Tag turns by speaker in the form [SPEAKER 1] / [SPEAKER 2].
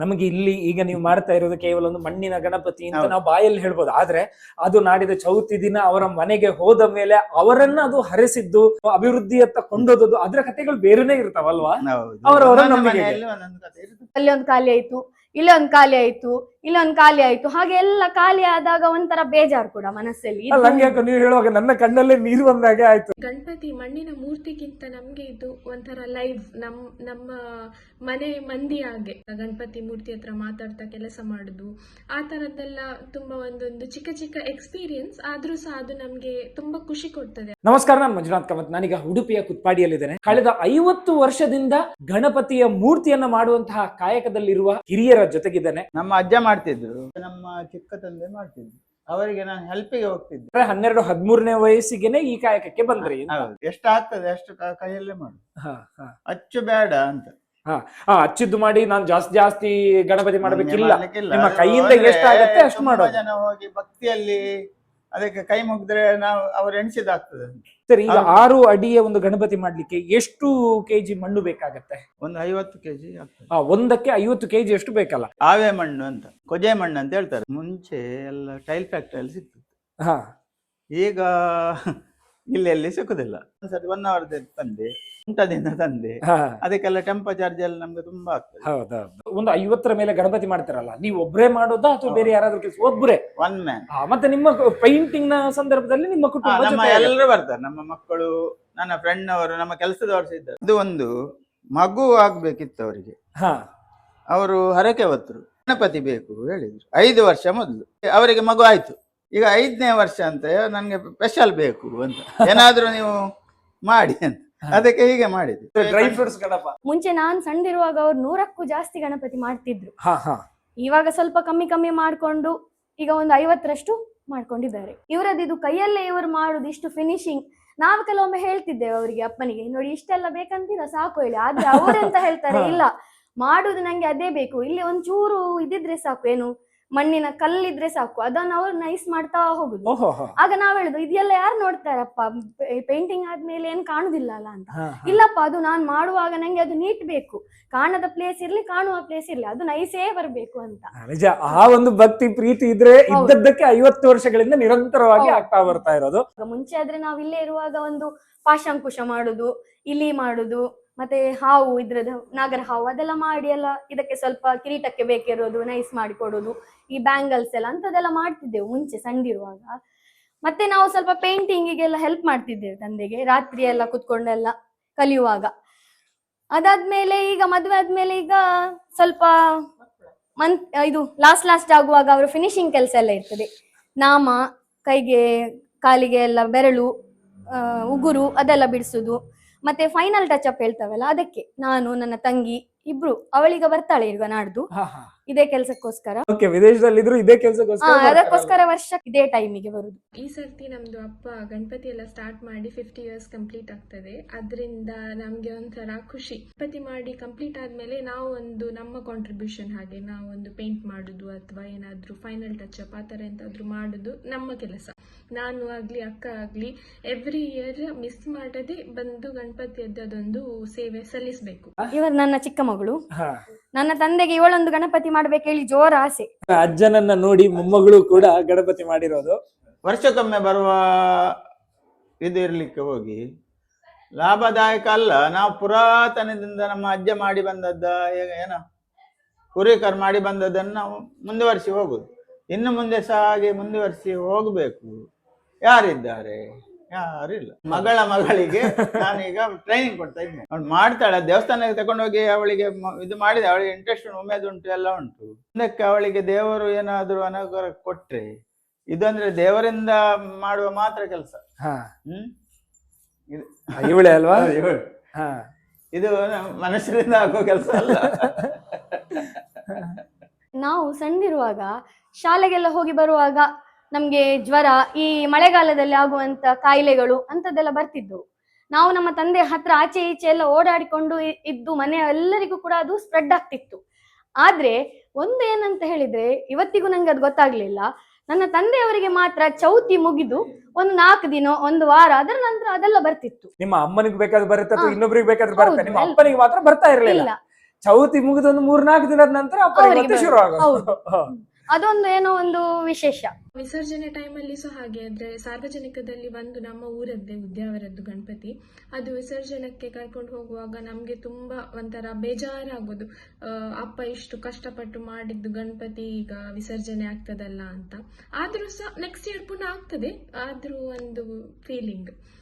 [SPEAKER 1] ನಮಗೆ ಇಲ್ಲಿ ಈಗ ನೀವು ಮಾಡ್ತಾ ಇರೋದು ಕೇವಲ ಒಂದು ಮಣ್ಣಿನ ಗಣಪತಿ ಅಂತ ನಾವು ಬಾಯಲ್ಲಿ ಹೇಳ್ಬೋದು, ಆದ್ರೆ ಅದು ನಾಡಿದ ಚೌತಿ ದಿನ ಅವರ ಮನೆಗೆ ಹೋದ ಮೇಲೆ ಅವರನ್ನ ಅದು ಹರಿಸಿದ್ದು ಅಭಿವೃದ್ಧಿಯತ್ತ ಕೊಂಡೋದದ್ದು ಅದರ ಕಥೆಗಳು ಬೇರೆನೇ ಇರ್ತಾವಲ್ವಾ? ಅವರವರ ನಂಬಿಕೆ.
[SPEAKER 2] ಅಲ್ಲಿ ಒಂದು ಖಾಲಿ ಆಯ್ತು, ಇಲ್ಲೊಂದು ಖಾಲಿ ಆಯ್ತು, ಇಲ್ಲೊಂದು ಖಾಲಿ ಆಯ್ತು, ಹಾಗೆ ಎಲ್ಲ ಖಾಲಿ ಆದಾಗ ಒಂಥರ ಬೇಜಾರು ಕೂಡ ಮನಸ್ಸಲ್ಲಿ.
[SPEAKER 1] ನಂಗೆ ನೀವು ಹೇಳುವಾಗ ನನ್ನ ಕಣ್ಣಲ್ಲೇ ನೀರು ಬಂದಾಗೆ ಆಯ್ತು.
[SPEAKER 3] ಗಣಪತಿ ಮಣ್ಣಿನ ಮೂರ್ತಿಗಿಂತ ನಮ್ಗೆ ಇದು ಒಂಥರ ಲೈವ್ ನಮ್ಮ ಮನೆ ಮಂದಿ ಹಾಗೆ ಗಣಪತಿ ಮೂರ್ತಿ ಹತ್ರ ಮಾತಾಡ್ತಾ ಕೆಲಸ ಮಾಡುದು, ಆ ತರದ್ದೆಲ್ಲ ತುಂಬಾ ಒಂದೊಂದು ಚಿಕ್ಕ ಚಿಕ್ಕ ಎಕ್ಸ್ಪೀರಿಯನ್ಸ್ ಆದ್ರೂ ಸಹ ಅದು ನಮ್ಗೆ ತುಂಬಾ ಖುಷಿ ಕೊಡ್ತದೆ.
[SPEAKER 1] ನಮಸ್ಕಾರ, ನಾನು ಮಂಜುನಾಥ್ ಕಾಮತ್. ನಾನೀಗ ಉಡುಪಿಯ ಕುತ್ಪಾಡಿಯಲ್ಲಿದ್ದೇನೆ. ಕಳೆದ 50 ವರ್ಷದಿಂದ ಗಣಪತಿಯ ಮೂರ್ತಿಯನ್ನ ಮಾಡುವಂತಹ ಕಾಯಕದಲ್ಲಿರುವ ಹಿರಿಯರ ಜೊತೆಗಿದ್ದೇನೆ.
[SPEAKER 4] ನಮ್ಮ ಅಜ್ಜ ಮಾಡ್ತಿದ್ರು, ನಮ್ಮ ಚಿಕ್ಕ ತಂದೆ ಮಾಡ್ತಿದ್ರು, ಅವರಿಗೆ ನಾನು ಹೆಲ್ಪಿಗೆ ಹೋಗ್ತಿದ್ದೆ.
[SPEAKER 1] 12-13ನೇ ವಯಸ್ಸಿಗೆನೆ ಈ ಕಾಯಕಕ್ಕೆ ಬಂದ್ರಿ.
[SPEAKER 4] ಎಷ್ಟು ಆಗ್ತದೆ ಅಷ್ಟು ಕೈಯಲ್ಲೇ ಮಾಡು, ಅಚ್ಚು ಬೇಡ ಅಂತ.
[SPEAKER 1] ಅಚ್ಚಿದ್ದು ಮಾಡಿ ನಾನು ಜಾಸ್ತಿ ಗಣಪತಿ ಮಾಡಬೇಕಿಲ್ಲ, ನಿಮ್ಮ ಕೈಯಿಂದ ಎಷ್ಟಾಗತ್ತೆ ಅಷ್ಟು ಮಾಡೋದು.
[SPEAKER 4] ಜನ ಹೋಗಿ ಭಕ್ತಿಯಲ್ಲಿ ಅದಕ್ಕೆ ಕೈ ಮುಗಿದ್ರೆ ನಾವು ಅವ್ರು ಎಣಿಸಿದಾಗ್ತದೆ.
[SPEAKER 1] ಸರಿ, ಈಗ 6 ಅಡಿಯ ಒಂದು ಗಣಪತಿ ಮಾಡ್ಲಿಕ್ಕೆ ಎಷ್ಟು ಕೆಜಿ ಮಣ್ಣು ಬೇಕಾಗತ್ತೆ?
[SPEAKER 4] ಒಂದು 50 ಕೆಜಿ ಆಗ್ತದೆ.
[SPEAKER 1] ಒಂದಕ್ಕೆ 50 ಕೆಜಿ ಎಷ್ಟು ಬೇಕಲ್ಲ?
[SPEAKER 4] ಆವೆ ಮಣ್ಣು ಅಂತ, ಕೊಜೆ ಮಣ್ಣು ಅಂತ ಹೇಳ್ತಾರೆ. ಮುಂಚೆ ಎಲ್ಲ ಟೈಲ್ ಫ್ಯಾಕ್ಟರಿಯಲ್ಲಿ ಸಿಗ್ತದೆ, ಈಗ ಇಲ್ಲಿ ಸಿಕ್ಕುದಿಲ್ಲ. ಒಂದ್ಸತಿ 1 hour ತಂದೆ, ಊಟದಿಂದ ತಂದೆ, ಅದಕ್ಕೆಲ್ಲ ಟೆಂಪರ್ ಚಾರ್ಜ್ ಎಲ್ಲ ನಮ್ಗೆ ತುಂಬಾ ಆಗ್ತದೆ.
[SPEAKER 1] ಹೌದೌದು. ಒಂದು 50ರ ಮೇಲೆ ಗಣಪತಿ ಮಾಡ್ತಾರಲ್ಲ, ನೀವು ಒಬ್ಬರೇ ಮಾಡೋದಾ ಅಥವಾ ಬೇರೆ ಯಾರಾದ್ರೂ ಕೆಲಸ? ಒಬ್ಬರೇ,
[SPEAKER 4] ಒನ್ ಮ್ಯಾನ್.
[SPEAKER 1] ಮತ್ತೆ ನಿಮ್ಮ ಪೇಂಟಿಂಗ್ ನ ಸಂದರ್ಭದಲ್ಲಿ ನಿಮ್ಮ ಕುಟುಂಬ
[SPEAKER 4] ಎಲ್ಲರೂ ಬರ್ತಾರೆ, ನಮ್ಮ ಮಕ್ಕಳು, ನನ್ನ ಫ್ರೆಂಡ್ ಅವರು, ನಮ್ಮ ಕೆಲಸದವರು ಇದ್ದಾರೆ. ಇದು ಒಂದು ಮಗು ಆಗ್ಬೇಕಿತ್ತು ಅವರಿಗೆ, ಅವರು ಹರಕೆ ಹೊತ್ತರು ಗಣಪತಿ ಬೇಕು ಹೇಳಿದ್ರು 5 ವರ್ಷ ಮೊದಲು. ಅವರಿಗೆ ಮಗು ಆಯ್ತು, ಈಗ 5ನೇ ವರ್ಷ ಅಂತ ನನ್ಗೆ ಸ್ಪೆಷಲ್ ಬೇಕು ಅಂತ, ಏನಾದ್ರೂ ನೀವು ಮಾಡಿ ಅಂತ. ಅದಕ್ಕೆ ಹೀಗೆ ಮಾಡಿದ್ರು.
[SPEAKER 1] Dry fruits Ganapa.
[SPEAKER 2] ಮುಂಚೆ ನಾನ್ ಸಣ್ಣದಿರುವಾಗ ಅವ್ರು 100ಕ್ಕೂ ಜಾಸ್ತಿ ಗಣಪತಿ ಮಾಡ್ತಿದ್ರು. ಇವಾಗ ಸ್ವಲ್ಪ ಕಮ್ಮಿ ಮಾಡ್ಕೊಂಡು ಈಗ ಒಂದು 50ರಷ್ಟು ಮಾಡ್ಕೊಂಡಿದ್ದಾರೆ. ಇವರದ್ದು ಕೈಯಲ್ಲೇ ಇವರು ಮಾಡುದು ಇಷ್ಟು ಫಿನಿಶಿಂಗ್. ನಾವು ಕೆಲವೊಮ್ಮೆ ಹೇಳ್ತಿದ್ದೇವೆ ಅವರಿಗೆ, ಅಪ್ಪನಿಗೆ, ನೋಡಿ ಇಷ್ಟೆಲ್ಲ ಬೇಕಂತೀರಾ ಸಾಕು ಹೇಳಿ. ಆದ್ರೆ ಅವರೆಂತ ಹೇಳ್ತಾರೆ, ಇಲ್ಲ ಮಾಡುದು ನಂಗೆ ಅದೇ ಬೇಕು, ಇಲ್ಲಿ ಒಂಚೂರು ಇದಿದ್ರೆ ಸಾಕು, ಏನು ಮಣ್ಣಿನ ಕಲ್ಲಿದ್ರೆ ಸಾಕು, ಅದನ್ನ ಅವ್ರು ನೈಸ್ ಮಾಡ್ತಾ ಹೋಗುದು. ಆಗ ನಾವ್ ಹೇಳುದು, ಇದೆಲ್ಲ ಯಾರು ನೋಡ್ತಾರಪ್ಪ, ಪೇಂಟಿಂಗ್ ಆದ್ಮೇಲೆ ಏನ್ ಕಾಣುದಿಲ್ಲ ಅಲ್ಲ ಅಂತ. ಇಲ್ಲಪ್ಪ, ಅದು ನಾನ್ ಮಾಡುವಾಗ ನಂಗೆ ಅದು ನೀಟ್ ಬೇಕು, ಕಾಣದ ಪ್ಲೇಸ್ ಇರ್ಲಿ ಕಾಣುವ ಪ್ಲೇಸ್ ಇರ್ಲಿ, ಅದು ನೈಸೇ ಬರ್ಬೇಕು ಅಂತ.
[SPEAKER 1] ನಿಜ, ಆ ಒಂದು ಭಕ್ತಿ ಪ್ರೀತಿ ಇದ್ರೆ ಇದ್ದದ್ದಕ್ಕೆ 50 ವರ್ಷಗಳಿಂದ ನಿರಂತರವಾಗಿ ಆಗ್ತಾ ಬರ್ತಾ ಇರೋದು.
[SPEAKER 2] ಮುಂಚೆ ಆದ್ರೆ ನಾವ್ ಇಲ್ಲೇ ಇರುವಾಗ ಒಂದು ಪಾಶಂಕುಶ ಮಾಡುದು, ಇಲಿ ಮಾಡುದು, ಮತ್ತೆ ಹಾವು, ಇದ್ರದ್ದು ನಾಗರ ಹಾವು, ಅದೆಲ್ಲ ಮಾಡಿ ಎಲ್ಲ ಇದಕ್ಕೆ ಸ್ವಲ್ಪ ಕಿರೀಟಕ್ಕೆ ಬೇಕಿರೋದು ನೈಸ್ ಮಾಡಿ ಕೊಡೋದು, ಈ ಬ್ಯಾಂಗಲ್ಸ್ ಎಲ್ಲ ಅಂತದೆಲ್ಲ ಮಾಡ್ತಿದ್ದೆವು ಮುಂಚೆ ಸಣ್ಣದಿರುವಾಗ. ಮತ್ತೆ ನಾವು ಸ್ವಲ್ಪ ಪೇಂಟಿಂಗಿಗೆಲ್ಲ ಹೆಲ್ಪ್ ಮಾಡ್ತಿದ್ದೇವೆ ತಂದೆಗೆ, ರಾತ್ರಿ ಎಲ್ಲ ಕುತ್ಕೊಂಡೆಲ್ಲ ಕಲಿಯುವಾಗ. ಅದಾದ್ಮೇಲೆ ಈಗ ಮದುವೆ ಆದ್ಮೇಲೆ ಈಗ ಸ್ವಲ್ಪ ಇದು ಲಾಸ್ಟ್ ಆಗುವಾಗ ಅವರು ಫಿನಿಶಿಂಗ್ ಕೆಲಸ ಎಲ್ಲ ಇರ್ತದೆ, ನಾಮ, ಕೈಗೆ ಕಾಲಿಗೆ ಎಲ್ಲ ಬೆರಳು, ಉಗುರು ಅದೆಲ್ಲ ಬಿಡಿಸುದು, ಮತ್ತೆ ಫೈನಲ್ ಟಚ್ ಅಪ್ ಹೇಳ್ತಾವಲ್ಲ, ಅದಕ್ಕೆ ನಾನು ನನ್ನ ತಂಗಿ ಇಬ್ರು, ಅವಳೀಗ ಬರ್ತಾಳೆ ಈಗ ನಾಡ್ದು ಇದೇ ಕೆಲ್ಸಕ್ಕೋಸ್ಕರ.
[SPEAKER 1] ವಿದೇಶದಲ್ಲಿದ್ರು ಇದೇ ಕೆಲ್ಸಕ್ಕೋಸ್ಕರ,
[SPEAKER 2] ಅದಕ್ಕೋಸ್ಕರ ವರ್ಷ ಇದೇ ಟೈಮಿಗೆ ಬರುದು.
[SPEAKER 3] ಈ ಸರ್ತಿ ನಮ್ದು ಅಪ್ಪ ಗಣಪತಿ ಎಲ್ಲ ಸ್ಟಾರ್ಟ್ ಮಾಡಿ 50 years ಕಂಪ್ಲೀಟ್ ಆಗ್ತದೆ. ಅದ್ರಿಂದ ನಮ್ಗೆ ಒಂಥರ ಖುಷಿ. ಗಣಪತಿ ಮಾಡಿ ಕಂಪ್ಲೀಟ್ ಆದ್ಮೇಲೆ ನಾವು ಒಂದು ನಮ್ಮ ಕಾಂಟ್ರಿಬ್ಯೂಷನ್, ಹಾಗೆ ನಾವು ಒಂದು ಪೇಂಟ್ ಮಾಡುದು ಅಥವಾ ಏನಾದ್ರೂ ಫೈನಲ್ ಟಚ್ ಅಪ್ ಆ ತರ ಎಂತಾದ್ರೂ ಮಾಡುದು ನಮ್ಮ ಕೆಲಸ. ನಾನು ಆಗ್ಲಿ ಅಕ್ಕ ಆಗ್ಲಿ ಎವ್ರಿ ಇಯರ್ ಮಿಸ್ ಮಾಡದೆ ಬಂದು ಗಣಪತಿಯದ್ದು ಅದೊಂದು ಸೇವೆ ಸಲ್ಲಿಸಬೇಕು.
[SPEAKER 2] ಇವರು ನನ್ನ ಚಿಕ್ಕ ಮಗಳು, ನನ್ನ ತಂದೆಗೆ ಇವಳೊಂದು ಗಣಪತಿ ಮಾಡ್ಬೇಕು ಹೇಳಿ ಜೋರ ಆಸೆ.
[SPEAKER 1] ಅಜ್ಜನನ್ನ ನೋಡಿ ಮೊಮ್ಮಗಳು ಕೂಡ ಗಣಪತಿ ಮಾಡಿರೋದು.
[SPEAKER 4] ವರ್ಷಕ್ಕೊಮ್ಮೆ ಬರುವ ಇದು ಇರ್ಲಿಕ್ಕೆ ಹೋಗಿ ಲಾಭದಾಯಕ ಅಲ್ಲ. ನಾವು ಪುರಾತನದಿಂದ ನಮ್ಮ ಅಜ್ಜ ಮಾಡಿ ಬಂದದ್ದ ಏನ ಪೂರ್ವಿಕರು ಮಾಡಿ ಬಂದದ್ದನ್ನು ನಾವು ಮುಂದುವರಿಸಿ ಹೋಗುದು. ಇನ್ನು ಮುಂದೆ ಸಹ ಹಾಗೆ ಮುಂದುವರಿಸಿ ಹೋಗ್ಬೇಕು. ಯಾರಿದ್ದಾರೆ? ಯಾರಿಲ್ಲ. ಮಗಳಿಗೆ ನಾನೀಗ ಟ್ರೈನಿಂಗ್ ಕೊಡ್ತಾ ಇದ್ದೇನೆ. ಅವಳು ಮಾಡ್ತಾಳೆ, ದೇವಸ್ಥಾನಕ್ಕೆ ತಗೊಂಡೋಗಿ ಅವಳಿಗೆ ಇದು ಮಾಡಿದೆ, ಅವಳಿಗೆ ಇಂಟ್ರೆಸ್ಟ್ ಉಮೇದುಂಟು ಎಲ್ಲ ಉಂಟು. ಮುಂದಕ್ಕೆ ಅವಳಿಗೆ ದೇವರು ಏನಾದ್ರು ಅನುಗ್ರಹ ಕೊಟ್ರೆ, ಇದಂದ್ರೆ ದೇವರಿಂದ ಮಾಡುವ ಮಾತ್ರ ಕೆಲಸ.
[SPEAKER 1] ಇವಳೆ ಅಲ್ವಾ?
[SPEAKER 4] ಇದು ಮನುಷ್ಯರಿಂದ ಆಗೋ ಕೆಲಸ ಅಲ್ಲ.
[SPEAKER 2] ನಾವು ಸಣ್ಣದಿರುವಾಗ ಶಾಲೆಗೆಲ್ಲ ಹೋಗಿ ಬರುವಾಗ ನಮ್ಗೆ ಜ್ವರ, ಈ ಮಳೆಗಾಲದಲ್ಲಿ ಆಗುವಂತ ಕಾಯಿಲೆಗಳು ಅಂತದೆಲ್ಲ ಬರ್ತಿದ್ದವು. ನಾವು ನಮ್ಮ ತಂದೆ ಹತ್ರ ಆಚೆ ಈಚೆ ಎಲ್ಲ ಓಡಾಡಿಕೊಂಡು ಇದ್ದು ಮನೆಯ ಎಲ್ಲರಿಗೂ ಕೂಡ ಅದು ಸ್ಪ್ರೆಡ್ ಆಗ್ತಿತ್ತು. ಆದ್ರೆ ಒಂದು ಏನಂತ ಹೇಳಿದ್ರೆ, ಇವತ್ತಿಗೂ ನಂಗೆ ಅದು ಗೊತ್ತಾಗ್ಲಿಲ್ಲ, ನನ್ನ ತಂದೆಯವರಿಗೆ ಮಾತ್ರ ಚೌತಿ ಮುಗಿದು ಒಂದು 4 ದಿನ 1 ವಾರ ಅದರ ನಂತರ ಅದೆಲ್ಲ ಬರ್ತಿತ್ತು.
[SPEAKER 1] ನಿಮ್ಮ ಅಮ್ಮನಿಗೆ ಬೇಕಾದ್ರೆ ಬರುತ್ತೆ, ಇನ್ನೊಬ್ರಿಗೆ ಬೇಕಾದ್ರೆ ಬರುತ್ತೆ, ನಿಮ್ಮ ಅಪ್ಪನಿಗೆ ಮಾತ್ರ ಬರ್ತಾ ಇರಲಿಲ್ಲ. ಚೌತಿ ಮುಗಿದ ಒಂದು 3-4 ದಿನದ ನಂತರ ಅಪ್ಪನಿಗೆ
[SPEAKER 2] ಅವ್ರಿಗೆ
[SPEAKER 1] ಮತ್ತೆ ಶುರು ಆಗೋದು.
[SPEAKER 2] ಹೌದು. ಅದೊಂದು ಏನೋ ಒಂದು ವಿಶೇಷ.
[SPEAKER 3] ವಿಸರ್ಜನೆ ಟೈಮಲ್ಲಿ ಸಹ ಹಾಗೆ. ಆದ್ರೆ ಸಾರ್ವಜನಿಕದಲ್ಲಿ ಒಂದು ನಮ್ಮ ಊರದ್ದೇ ಉದ್ಯಾವರದ್ದು ಗಣಪತಿ, ಅದು ವಿಸರ್ಜನಕ್ಕೆ ಕರ್ಕೊಂಡು ಹೋಗುವಾಗ ನಮ್ಗೆ ತುಂಬಾ ಒಂಥರ ಬೇಜಾರಾಗೋದು. ಅಪ್ಪ ಇಷ್ಟು ಕಷ್ಟಪಟ್ಟು ಮಾಡಿದ್ದು ಗಣಪತಿ ಈಗ ವಿಸರ್ಜನೆ ಆಗ್ತದಲ್ಲ ಅಂತ. ಆದ್ರೂ ಸಹ ನೆಕ್ಸ್ಟ್ ಇಯರ್ ಪುನಃ ಆಗ್ತದೆ, ಆದ್ರೂ ಒಂದು ಫೀಲಿಂಗ್.